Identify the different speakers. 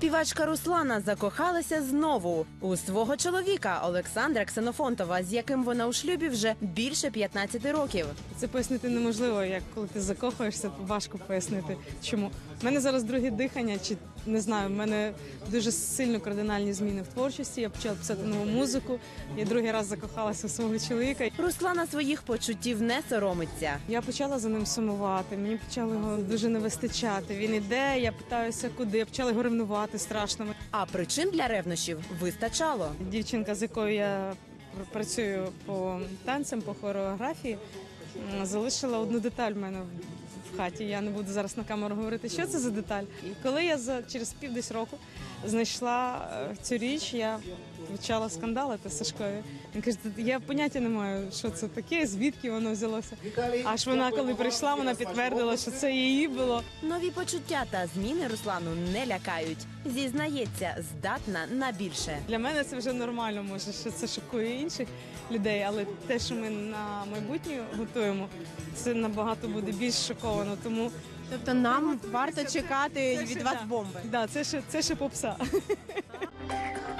Speaker 1: Співачка Руслана закохалася знову у свого чоловіка Олександра Ксенофонтова, з яким вона у шлюбі вже більше 15 років.
Speaker 2: Це пояснити неможливо, як коли ти закохуєшся, важко пояснити, чому. У мене зараз друге дихання, чи не знаю, в мене дуже сильно кардинальні зміни в творчості. Я почала писати нову музику, я другий раз закохалася в свого чоловіка.
Speaker 1: Руслана своїх почуттів не соромиться.
Speaker 2: Я почала за ним сумувати, мені почало його дуже не вистачати. Він іде, я питаюся куди, я почала його ревнувати страшно.
Speaker 1: А причин для ревнощів вистачало.
Speaker 2: Дівчинка, з якою я працюю по танцям, по хореографії, залишила одну деталь в мене в хаті. Я не буду зараз на камеру говорити, що це за деталь. І коли я через пів року знайшла цю річ, я почала скандалити з Сашкою. Він каже, я поняття не маю, що це таке, звідки воно взялося. Аж вона, коли прийшла, вона підтвердила, що це її було.
Speaker 1: Нові почуття та зміни Руслану не лякають. Зізнається, здатна на більше.
Speaker 2: Для мене це вже нормально, може, що це шокує інших людей, але те, що ми на майбутнє готуємо, це набагато буде більш шоковано. Тому
Speaker 3: Тобто нам варто чекати від вас бомби?
Speaker 2: да, це ще попса.